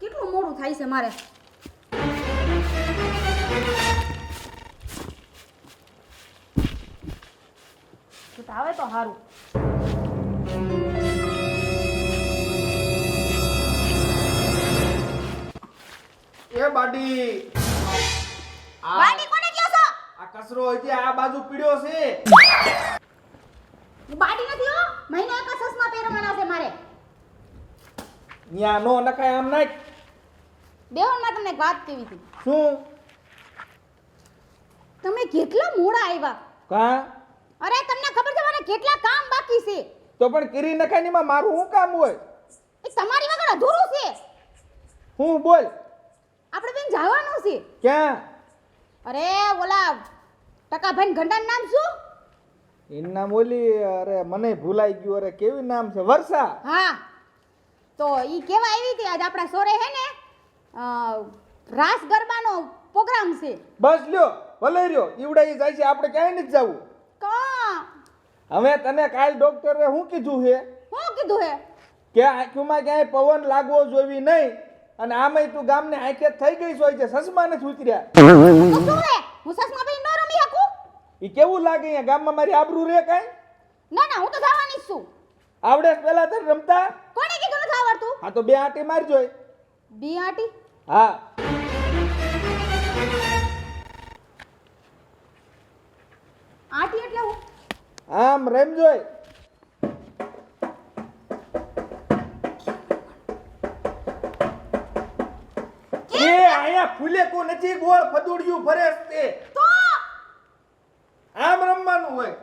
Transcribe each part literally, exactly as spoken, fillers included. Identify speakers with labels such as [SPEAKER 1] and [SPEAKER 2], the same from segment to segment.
[SPEAKER 1] કેટલું મોડું થાય છે મારે. આવે તો સારું.
[SPEAKER 2] એ બાડી
[SPEAKER 1] બાડી કોને કહો છો?
[SPEAKER 2] આ કચરો હજી આ બાજુ પીડ્યો છે.
[SPEAKER 1] બાડી નથી હો, મહિને એક ચશ્મા પહેરવાના છે મારે.
[SPEAKER 2] ન્યા નો નખાય આમ નાખ.
[SPEAKER 1] બેવન માં તમને એક વાત કેવી હતી.
[SPEAKER 2] શું?
[SPEAKER 1] તમે કેટલા મોડા આવ્યા.
[SPEAKER 2] કા?
[SPEAKER 1] અરે તમને ખબર છે મને કેટલા કામ બાકી છે.
[SPEAKER 2] તો પણ કરી નખાય ની માં મારું શું કામ હોય?
[SPEAKER 1] એ તમારી વગર અધૂરું છે.
[SPEAKER 2] હું બોલ.
[SPEAKER 1] આપણે બેન જવાનું છે.
[SPEAKER 2] ક્યાં?
[SPEAKER 1] અરે ઓલા ટકાભાઈ ગંડાનું નામ શું?
[SPEAKER 2] એનું નામ ઓલી, અરે મને ભૂલાઈ ગયું. અરે કેવી નામ છે? વર્ષા.
[SPEAKER 1] હા, તો ઈ કેવા આવી હતી આજ આપણા સોરે હે ને અ, રાસ ગરબાનો પ્રોગ્રામ છે.
[SPEAKER 2] બસ લ્યો, ભલે રહ્યો. ઈવડાઈ જાય છે, આપણે ક્યાંય નથી જવું.
[SPEAKER 1] કા
[SPEAKER 2] હવે તને કાલ ડોક્ટરે શું કીધું છે?
[SPEAKER 1] શું કીધું હે?
[SPEAKER 2] કે આંખમાં ક્યાંય પવન લાગવો જોવી નહીં. અને આમાંય તું ગામને આંખે થઈ ગઈ હોય છે, સસમા નથી ઉતર્યા.
[SPEAKER 1] તો શું રે, હું સસમા ભાઈ ન રમી શકું?
[SPEAKER 2] ઈ કેવું લાગે અહીંયા ગામમાં? મારી આબરૂ રે કાંઈ?
[SPEAKER 1] ના ના, હું તો જવાની જ છું.
[SPEAKER 2] આવડે છે પેલા તને રમતા?
[SPEAKER 1] કોને કીધું નથી આવડતું?
[SPEAKER 2] હા તો બે આંટી મારજો.
[SPEAKER 1] બી આટી?
[SPEAKER 2] હા.
[SPEAKER 1] આટી એટલે હું?
[SPEAKER 2] આમ રમજો. એ આયા ફૂલે કો નથી, ગોળ ફદુડિયું ફરે છે.
[SPEAKER 1] તો
[SPEAKER 2] આમ રમવાનું હોય.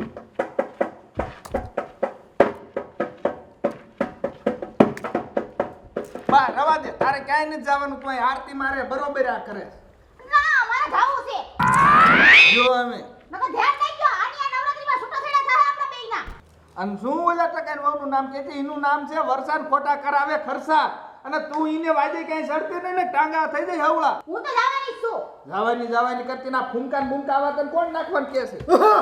[SPEAKER 2] બા રવા દે, તારે ક્યાંય નથી જવાનું. તું અહીં આરતી મારે બરોબર આ કરે.
[SPEAKER 1] ના, મારે જાવું છે.
[SPEAKER 2] જો અમે
[SPEAKER 1] નકર ધ્યાન નહીં ગયો. આની આ નવરાત્રીમાં છૂટા છેડા થાય આપણા બેયના.
[SPEAKER 2] અને શું ઓલા ટકાની વહુનું નામ કે છે? એનું નામ છે વરસાદ ખોટા કરાવે ખરસા. અને તું ઈને વાજે ક્યાંય સડતી નહીં ને, ટાંગા થઈ જાય હવળા.
[SPEAKER 1] હું તો જવાની જ છું.
[SPEAKER 2] જવાની જવાની કરતી ના ફૂંકા ને બૂંકા આવા તને કોણ નાખવાનું કે છે?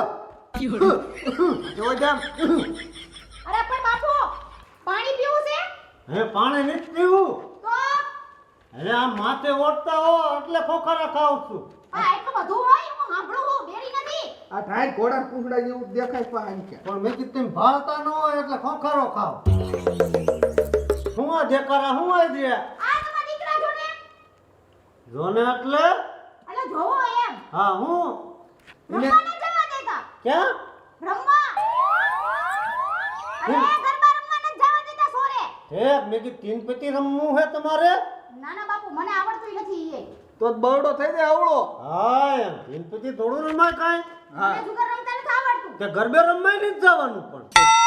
[SPEAKER 2] જો જામ.
[SPEAKER 1] અરે પણ બાપુ, પાણી પીવું છે?
[SPEAKER 3] હે પાણી નથી પીવું.
[SPEAKER 1] તો
[SPEAKER 3] અરે આ માથે ઓટતા હો એટલે ખોખરા ખાવ છું.
[SPEAKER 1] આ એટલું બધું હોય હું સાંભળું છું, બેરી નથી.
[SPEAKER 2] આ ઢાઈ ઘોડા કુકડા જેવું દેખાય પાણી કે.
[SPEAKER 3] પણ મેં કીધું તેમ ભાળતા ન હોય એટલે ખોખરો ખાવ. હું આ દેકારા હું આ દે
[SPEAKER 1] આ તમારા દીકરા જો ને.
[SPEAKER 3] જોને એટલે
[SPEAKER 1] અલે જોવો એમ.
[SPEAKER 3] હા હું
[SPEAKER 1] રમવા ન જવા દેતા.
[SPEAKER 3] ક્યાં
[SPEAKER 1] રમવા. અરે ગરબા રમવા ન જવા દેતા સોરે.
[SPEAKER 3] હે મેં કીધું તીન પતિ રમવું હે તમારે?
[SPEAKER 1] ના ના બાપુ, મને આવડતું નથી ઈ.
[SPEAKER 2] તો બરડો થઈ જાય આવડો.
[SPEAKER 3] હા એમ તીન પતિ થોડું રમાય કાંઈ.
[SPEAKER 1] મને જુગાર રમતા નથી આવડતું.
[SPEAKER 3] તે ગરબે રમાય નથી જવાનું. પણ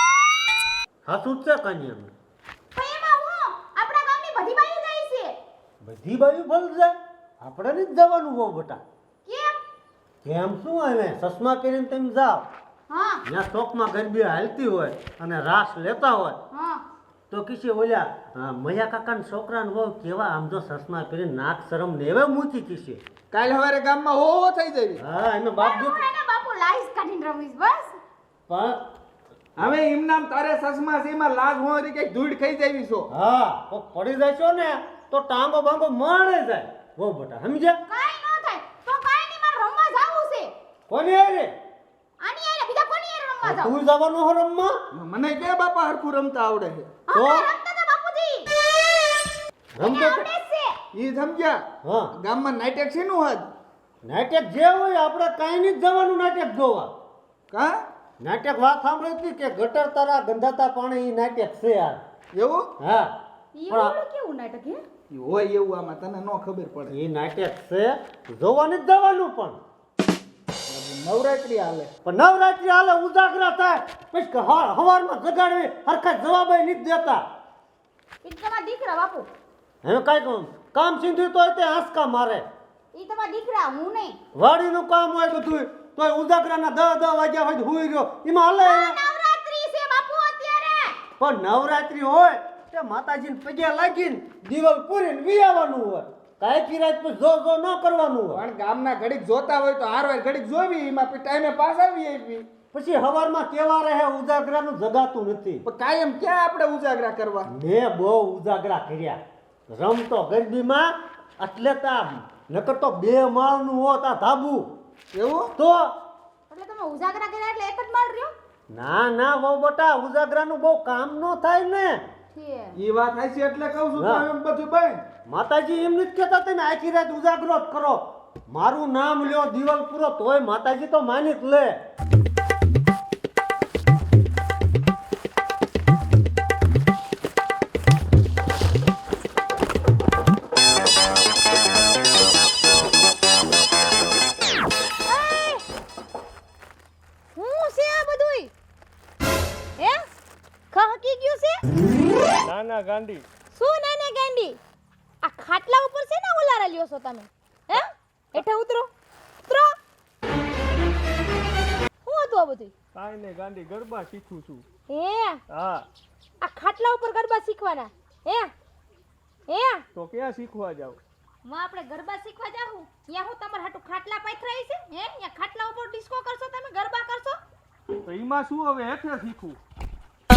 [SPEAKER 3] હાથું જ છે કાંઈ એમ.
[SPEAKER 1] પણ એમાં હું આપણા ગામની બધી બાઈઓ જાય છે.
[SPEAKER 3] બધી બાજુ ફળ જાય, આપણે નથી જવાનું બહુ બેટા.
[SPEAKER 1] કેમ?
[SPEAKER 3] કેમ શું આવે? ચશ્મા પહેરીને તમે જાઓ,
[SPEAKER 1] હા
[SPEAKER 3] ત્યાં ચોકમાં ગરબી હાલતી હોય અને રાસ લેતા હોય
[SPEAKER 1] હા.
[SPEAKER 3] તો કિસી ઓલ્યા અ, મયા કાકાના છોકરાને બહુ કેવા આમ જો ચશ્મા પહેરીને નાક શરમ ને એવે મૂકી કિસી.
[SPEAKER 2] કાલ સવારે ગામમાં હો હો થઈ જાય.
[SPEAKER 3] હા એનો બાપ જો
[SPEAKER 1] હું એને બાપુ લાઈસ કાઢીને રમીશ બસ.
[SPEAKER 3] પણ
[SPEAKER 2] હવે એમ નામ તારે સસમા છે, એમાં લાજ હોરી કઈ ધૂળ ખાઈ જાવી છો.
[SPEAKER 3] હા તો પડી જશો ને તો ટાંગો બાંગો મળે જાય બહુ બેટા સમજ્યા?
[SPEAKER 1] કાઈ ન થાય તો કાઈ નહીં, મારે રમવા જાવું છે.
[SPEAKER 3] કોની આરે?
[SPEAKER 1] આની આરે બીજા કોની આરે રમવા જાવ?
[SPEAKER 3] તું જવાનું હો રમવા?
[SPEAKER 2] મને કે બાપા હરખું રમતા આવડે છે.
[SPEAKER 3] તો
[SPEAKER 1] અમે રમતા હતા બાપુજી.
[SPEAKER 3] રમતો
[SPEAKER 1] આવડે જ છે.
[SPEAKER 2] ઈ સમજ્યા?
[SPEAKER 3] હા
[SPEAKER 2] ગામમાં નાટક છે નું હદ
[SPEAKER 3] નાટક જે હોય આપણે કાંઈ નહીં જવાનું નાટક જોવા.
[SPEAKER 2] કા
[SPEAKER 3] નાટક વાત સાંભળી હતી કે ગટર તારા ગંધાતા પાણી ઈ નાટક છે યાર.
[SPEAKER 2] એવું
[SPEAKER 3] હા
[SPEAKER 1] ઈ
[SPEAKER 3] પણ
[SPEAKER 1] ઓલું કેવું નાટક હે?
[SPEAKER 2] ઈ હોય એવું આમાં તને ન ખબર પડે.
[SPEAKER 3] ઈ નાટક છે જોવાની જ જવાનું. પણ
[SPEAKER 2] નવરાત્રી હાલે
[SPEAKER 3] પણ નવરાત્રી હાલે ઉજાગરા થાય પછી કે હવાર હવારમાં જગાડવી હરખા જવાબ નથી દેતા.
[SPEAKER 1] ઈ તમારા દીકરા બાપુ.
[SPEAKER 3] હવે કાંઈ કામ સીધું તોય તે આંસકા મારે.
[SPEAKER 1] ઈ તમારા દીકરા, હું નહીં.
[SPEAKER 3] વાડીનું કામ હોય બધું તોય ઉજાગરાના દસ દસ વાગ્યા હોય હુઈ ગયો એમાં હાલે.
[SPEAKER 1] આ નવરાત્રી છે બાપુ અત્યારે.
[SPEAKER 3] પણ નવરાત્રી હોય તે માતાજીને પગે લાગીને દિવાલ પૂરીને વિયાવાનું હોય. કાંઈ કિરાત પર જો જો ન કરવાનું હોય.
[SPEAKER 2] પણ ગામના ઘડીક જોતા હોય તો હારવાર ઘડીક જોવી, એમાં પછી ટાઈમે પાસ આવી આવી.
[SPEAKER 3] પછી હવારમાં કેવા રહે ઉજાગરાનું જગાતું નથી.
[SPEAKER 2] પણ કાયમ ક્યાં આપણે ઉજાગરા કરવા?
[SPEAKER 3] મેં બહુ ઉજાગરા કર્યા રમતો ગરબીમાં એટલે તા નકર તો બે માળનું હોત આ ધાબુ.
[SPEAKER 2] એવું
[SPEAKER 3] તો
[SPEAKER 1] એટલે તમે ઉજાગરા કર્યા એટલે એક જ માળ રહ્યો
[SPEAKER 3] ના ના વહુ બટા ઉજાગરાનું બહુ કામ ન થાય ને.
[SPEAKER 1] છે
[SPEAKER 2] ઈ વાત હાચી એટલે કહું છું
[SPEAKER 3] હા.
[SPEAKER 2] તમે એમ બધું ભાઈ
[SPEAKER 3] માતાજી એમ નથી કહેતા તમે આખી રાત ઉજાગરો જ કરો. મારું નામ લ્યો દિવાલ પૂરો તોય માતાજી તો માની જ લે.
[SPEAKER 1] હું છે આ બધુંય હે ખહકી ગયું છે
[SPEAKER 4] નાના ગાંડી
[SPEAKER 1] શું નાને ગાંડી આ ખાટલા ઉપર છે ને ઓલારા લ્યો છો તમે હે હેઠે ઉતરો ઉતરો હું હતું આ બધું
[SPEAKER 4] કાંઈ નહીં ગાંડી ગરબા શીખું છું.
[SPEAKER 1] હે
[SPEAKER 4] હા
[SPEAKER 1] આ ખાટલા ઉપર ગરબા શીખવાના હે હે
[SPEAKER 4] તો ક્યાં શીખવા જાવ?
[SPEAKER 1] હું આપણે ગરબા શીખવા જાઉં ત્યાં હું તમારા હાટુ ખાટલા પાથરાઈ છે હે ત્યાં ખાટલા ઉપર ડિસ્કો કરશો તમે ગરબા કરશો
[SPEAKER 4] તો એમાં શું હવે હેઠે શીખું?
[SPEAKER 1] એ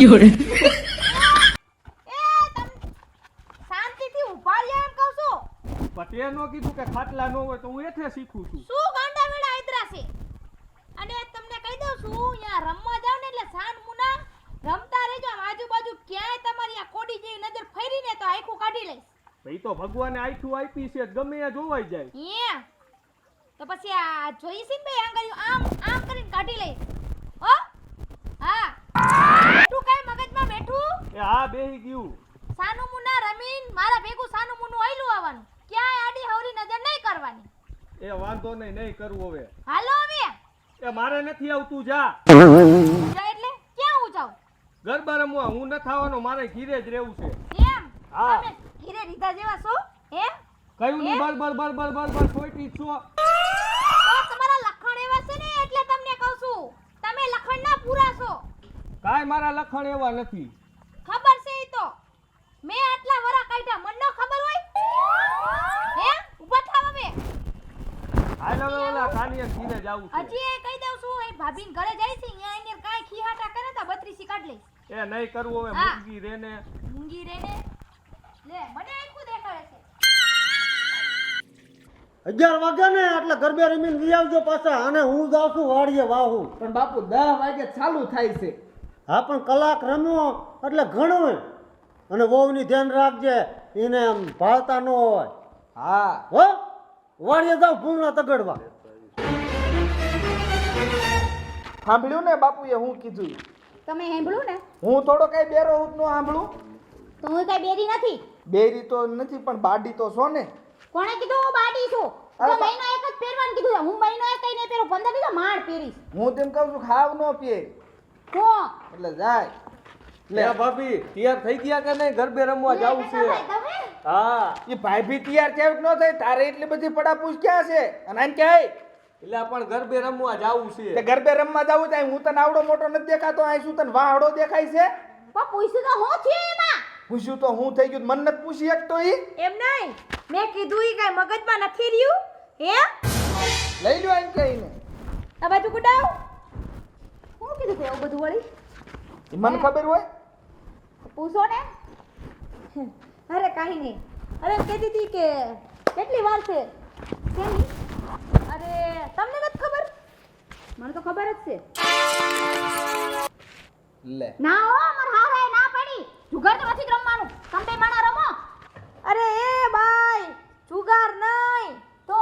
[SPEAKER 1] તમ શાંતિથી ઊભા રહ્યા એમ કહું છું
[SPEAKER 4] પણ તે ન કીધું કે ખાટલા ન હોય તો હું હેઠે શીખું છું.
[SPEAKER 1] શું ગાંડા વેડા આયતરા છે અને તમને કહી દઉં છું અહીંયા રમવા જાવ ને એટલે સાન મુના રમતા રહેજો આમ આજુબાજુ ક્યાંય તમારી આ કોડી જેવી નજર ફેરીને તો આખું કાઢી લઈશ
[SPEAKER 4] તો ઈ તો ભગવાને આઈઠું આપી છે ગમે એ જોવાઈ જાય.
[SPEAKER 1] હે તો પછી આ જોઈ છે ને ભાઈ આંગળીઓ આમ આમ કરીને કાઢી લઈશ હો હા તું કઈ મગજમાં બેઠું
[SPEAKER 4] એ હા બેહી ગયું.
[SPEAKER 1] સાનું મુના રમીન મારા ભેગું સાનું મુનું આયલું આવવાનું ક્યાંય આડી હવરી નજર નહીં કરવાની
[SPEAKER 4] એ વાંધો નહીં નહીં કરવું હવે.
[SPEAKER 1] હાલો હવે
[SPEAKER 4] એ મારે નથી આવતું જા.
[SPEAKER 1] જા એટલે ક્યાં હું જાઉં
[SPEAKER 4] ગરબા રમવા હું ન થવાનો મારે ઘીરે જ રહેવું છે.
[SPEAKER 1] એમ
[SPEAKER 4] હા.
[SPEAKER 1] તમે ઘીરે રીધા જેવા છો હે
[SPEAKER 4] કયું નહીં
[SPEAKER 1] એ?
[SPEAKER 4] બર બર બર બર બર બર સોઈટી જ છો.
[SPEAKER 1] તો તમારા લખણ એવા છે ને એટલે તમને કહું છું તમે લખણ ના પૂરા છો
[SPEAKER 4] કાંઈ મારા લખણ એવા નથી.
[SPEAKER 1] ખબર છે ઈ તો મેં આટલા વરા કાઢ્યા મન નો ખબર હોય હે ઊભા થાવ હવે
[SPEAKER 4] હાલ હવે ઓલા કાનિયા ઘીરે જાવું છે.
[SPEAKER 1] હજી એ કહી દઉં છું એ ભાભીન ઘરે જાય છે અહીંયા એને કાંઈ ખીહાટા કરે તો બત્રીસી કાઢ લઈશ
[SPEAKER 4] એ નહીં કરવું હવે
[SPEAKER 1] હા.
[SPEAKER 4] મૂંગી રે ને.
[SPEAKER 1] મૂંગી રે ને લે મને આખું દેખાડે છે
[SPEAKER 3] અગિયાર વાગ્યા ને એટલે ગરબે રમીને લઈ આવજો પાછા અને હું જાઉં છું વાડીએ વાહું.
[SPEAKER 2] પણ બાપુ દસ વાગે ચાલુ થાય છે
[SPEAKER 3] હા પણ કલાક રમ્યો એટલે ઘણું. અને વહુની ધ્યાન રાખજે એને આમ ભાળતા ન હોય
[SPEAKER 2] હા
[SPEAKER 3] હો. વાડીએ જાવ ભૂંગળા તગડવા.
[SPEAKER 2] સાંભળ્યું ને બાપુએ હું કીધું
[SPEAKER 1] તમે સાંભળ્યું ને
[SPEAKER 2] હું થોડો કઈ બેરો હું નો સાંભળું
[SPEAKER 1] તો હું કઈ બેરી નથી
[SPEAKER 2] બેરી તો નથી પણ બાડી તો છો ને
[SPEAKER 1] કોણે કીધું હું બાડી છું
[SPEAKER 2] અરે
[SPEAKER 1] તો
[SPEAKER 2] બા-
[SPEAKER 1] મહિનો એક જ પહેરવાનું કીધું છે. હું મહિનો એક કઈ નહીં પહેરું પંદર દિવસ માળ પહેરીશ
[SPEAKER 2] હું તેમ કહું છું ખાવ નો પીએ
[SPEAKER 1] હો
[SPEAKER 2] એટલે જાય
[SPEAKER 4] લે ભાભી તૈયાર થઈ ગયા કે નહીં? ગરબે રમવા જાવું છે. હા
[SPEAKER 2] એ ભાઈ ભી તૈયાર કેવું ન થાય તારે એટલી બધી પડાપૂછ ક્યાં છે અને આને ક્યાંય
[SPEAKER 4] એટલે પણ ગરબે રમવા જાવું
[SPEAKER 2] તે
[SPEAKER 4] છે.
[SPEAKER 2] ગરબે રમવા જાવું થાય હું તને આવડો મોટો નથી દેખાતો અહીં શું તને વાહડો દેખાય છે
[SPEAKER 1] પણ પૂછ્યું તો હું થયું એમાં
[SPEAKER 2] પૂછ્યું તો હું થઈ ગયું મન નથી પૂછી એક તો ઈ
[SPEAKER 1] એમ નહીં મેં કીધું ઈ કઈ મગજમાં નથી રહ્યું હે
[SPEAKER 2] લઈ લ્યો આને કહીને
[SPEAKER 1] આ બાજુ ગુડાવ હું કીધું તે એવું બધું વળી
[SPEAKER 2] ઈ મને ખબર હોય
[SPEAKER 1] પૂછો ને અરે કાંઈ નહીં અરે કહેતી હતી કે કેટલી વાર છે કેની અરે તમને નથી ખબર મને તો ખબર જ છે
[SPEAKER 2] લે
[SPEAKER 1] ના હો માર હારાએ ના પાડી જુગાર તો નથી જ રમવાનું તમે બે માણા રમો અરે એ બાઈ જુગાર નહીં તો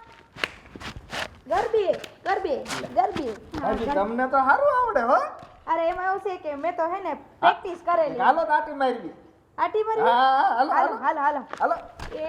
[SPEAKER 1] ગરબી ગરબી ગરબી હા,
[SPEAKER 2] હાજી
[SPEAKER 1] ગરબી.
[SPEAKER 2] તમને તો સારું આવડે હો
[SPEAKER 1] અરે એમાં એવું છે કે મેં તો હે ને પ્રેક્ટિસ કરેલી
[SPEAKER 2] હાલો દાટી મારી
[SPEAKER 1] આટી મારી
[SPEAKER 2] હા હા, હાલો
[SPEAKER 1] હાલો
[SPEAKER 2] હાલો
[SPEAKER 1] હાલો હાલો
[SPEAKER 2] હાલો
[SPEAKER 1] એ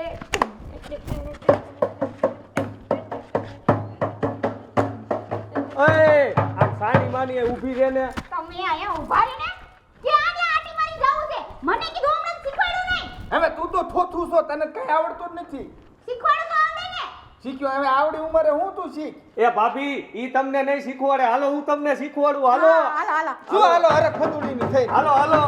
[SPEAKER 4] ઓય આ સાની માની ઊભી રહે ને.
[SPEAKER 1] તમે આયા ઊભા રહીને કે આને આટી મારી જાવું છે મને કીધું હમણાં શીખવાડ્યું નહીં
[SPEAKER 2] હવે તું તો થોથું છો તને કઈ આવડતું જ નથી
[SPEAKER 1] શીખવાડું તો આવડે ને
[SPEAKER 2] શીખ્યો હવે આવડી ઉંમરે હું તું શીખ
[SPEAKER 4] એ ભાભી ઈ તમને નહીં શીખવાડે. હાલો હું તમને શીખવાડું. હાલો
[SPEAKER 1] હા, હાલો હાલો
[SPEAKER 2] શું હાલો અરે ખોદુડીની થઈ
[SPEAKER 4] હાલો હાલો.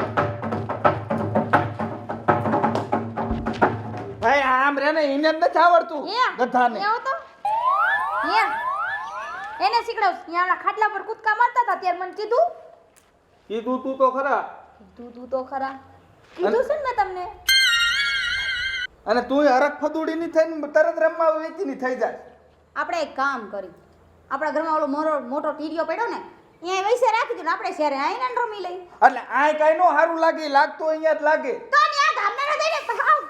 [SPEAKER 2] ભાઈ આમ રે ને એને જ નથી આવડતું
[SPEAKER 1] એ
[SPEAKER 2] ગધાને
[SPEAKER 1] એ આવો તો એ એને શીખડાવ અહીંયા ઓલા ખાટલા પર કૂદકા મારતા હતા ત્યારે મને કીધું
[SPEAKER 4] કીધું તું તો ખરા.
[SPEAKER 1] કીધું તું તો ખરા કીધું છે ને મેં તમને
[SPEAKER 2] અને તું હરખ ફદુડીની થઈને તરત રમવા વેચીની થઈ જાય.
[SPEAKER 1] આપણે એક કામ કરી, આપણા ઘરમાં ઓલો મોરો મોટો ટીડીઓ પડ્યો ને અહીંયા વૈસે રાખી દો ને આપણે શહેરે આવીને ને રમી લઈ.
[SPEAKER 2] એટલે આય કાંઈ નો સારું લાગે, લાગતો અહીંયા જ લાગે.
[SPEAKER 1] તો ત્યાં ગામડાને જઈને બતાવ.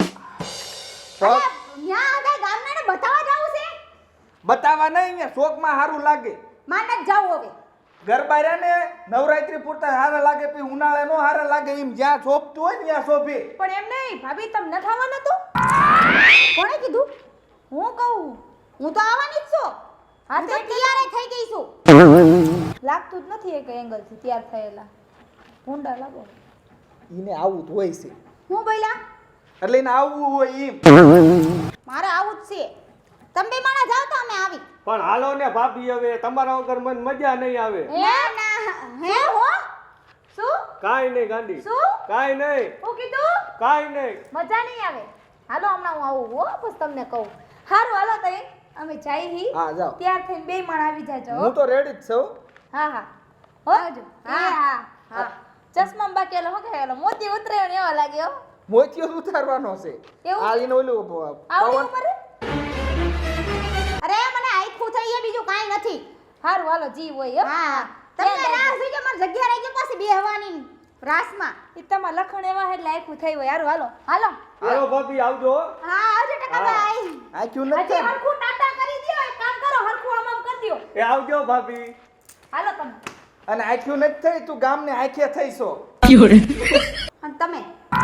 [SPEAKER 2] તો
[SPEAKER 1] અરે, ત્યાં આગળ ગામડાને બતાવવા જાવું છે.
[SPEAKER 2] બતાવવા નહીં, અહીંયા શોખમાં સારું લાગે.
[SPEAKER 1] માન જ જાવું હવે.
[SPEAKER 2] ગરબા રહ્યા ને નવરાત્રી પૂરતા સારા લાગે, પછી ઉનાળે નો સારા લાગે. એમ જ્યાં શોભતું હોય ને ત્યાં શોભે.
[SPEAKER 1] પણ એમ નહીં ભાભી, તમને થવાનું હતું. કોણે કીધું? હું કહું, હું તો આવવાની જ છું. હા તો તૈયાર થઈ ગઈ છું. લાગતું જ નથી એક એંગલથી તૈયાર થયેલા. ભૂંડા લાગો.
[SPEAKER 2] એને આવું જ હોય છે,
[SPEAKER 1] હું બોલ્યા?
[SPEAKER 2] એટલે એને આવવું હોય એમ.
[SPEAKER 1] મારે આવું જ છે. તમે બે માણા જાવ તો અમે આવી.
[SPEAKER 4] પણ હાલો ને ભાભી, હવે તમારા વગર મને મજા નહીં આવે.
[SPEAKER 1] ના ના હે હો શું
[SPEAKER 4] કાઈ નહીં ગાંડી,
[SPEAKER 1] શું
[SPEAKER 4] કાઈ નહીં,
[SPEAKER 1] હું કીધું?
[SPEAKER 4] કાઈ નહીં.
[SPEAKER 1] મજા નહીં આવે. હાલો હમણાં હું આવું હો, પછી તમને કહું. હારું હાલો તઈ અમે જાય હી.
[SPEAKER 2] હા જાઓ,
[SPEAKER 1] ત્યાર થઈને બે માણા આવી જાજો હો.
[SPEAKER 2] હું તો રેડી જ છું.
[SPEAKER 1] હા હા હો હા હા હા ચશ્મા બાકી એલો હો કે એલો મોતી ઉતરે ને એવો લાગે હો.
[SPEAKER 2] મોતિયો જ ઉતારવાનો છે.
[SPEAKER 1] એવું?
[SPEAKER 2] આ એને ઓલું
[SPEAKER 1] આવડી
[SPEAKER 2] પવન
[SPEAKER 1] ઉપર અરે મને આખું થઈ એ બીજું કાઈ નથી. હારું હાલો જી હોય હો. હા તમને રાસ જોઈ મારી જગ્યા રહી ગઈ પાછી બેહવાની રાસમાં. ઈ તમાર લખણ એવા એટલે આખું થઈ હોય. હારું હાલો હાલો.
[SPEAKER 4] હાલો ભાભી, આવજો.
[SPEAKER 1] હા આવજો ટકાભાઈ.
[SPEAKER 2] આ ક્યું
[SPEAKER 1] હજી
[SPEAKER 2] નથી.
[SPEAKER 1] હરખું ટાટા કરી દ્યો. એક કામ કરો, હરખું આમ આમ કરી દ્યો.
[SPEAKER 4] એ આવજો ભાભી.
[SPEAKER 1] હાલો તમે.
[SPEAKER 2] અને આખ્યું નથી થઈ, તું ગામને આખે થઈશો.
[SPEAKER 1] અને તમે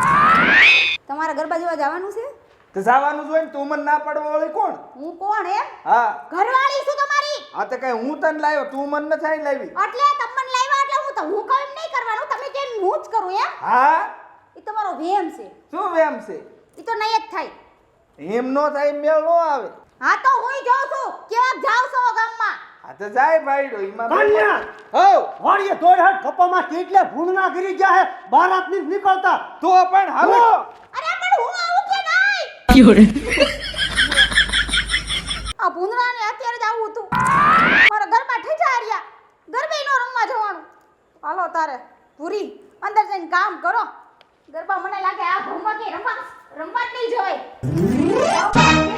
[SPEAKER 1] તમારા ગરબા જોવા જવાનું છે?
[SPEAKER 2] તો જવાનું જ હોય ને, તું મને ના પાડવા વાળી કોણ?
[SPEAKER 1] હું કોણ એમ?
[SPEAKER 2] હા
[SPEAKER 1] ઘરવાળી છું તમારી.
[SPEAKER 2] આ તો કઈ હું તને લાવ્યો, તું મને નથી આઈ લાવી.
[SPEAKER 1] એટલે તમને લાવ્યા એટલે હું તો હું કહું એમ નહીં કરવાનું. તમે કેમ હું જ કરું એમ?
[SPEAKER 2] હા
[SPEAKER 1] ઈ તમારો વેમ છે.
[SPEAKER 2] શું વેમ છે?
[SPEAKER 1] ઈ તો નહીં જ થાય.
[SPEAKER 2] એમ નો થાય, મેળ નો આવે.
[SPEAKER 1] હા તો હુંય જાઉં છું. કેવા જાવ છો ગામમાં?
[SPEAKER 2] આ તો જાય ભાઈડો એમાં.
[SPEAKER 3] કન્યા!
[SPEAKER 2] હો
[SPEAKER 3] વાડીએ દોડ હાથ ખપ્પામાં કેટલે ભૂંડના ગીરી ગયા હે, બારાત ની નીકળતા.
[SPEAKER 2] તો પણ હાલો.
[SPEAKER 1] અરે પણ હું આવું કે નહીં? આ ભૂંદરાને અત્યારે જ આવું હતું. મારા ઘરમાં ઠેઠાર્યા. ગરબે નો રમવા જવાનું. હાલો તારે પૂરી અંદર જઈને કામ કરો. ગરબા મને લાગે આ ભૂમા કે રમવા રમવા જ નહીં જવાય.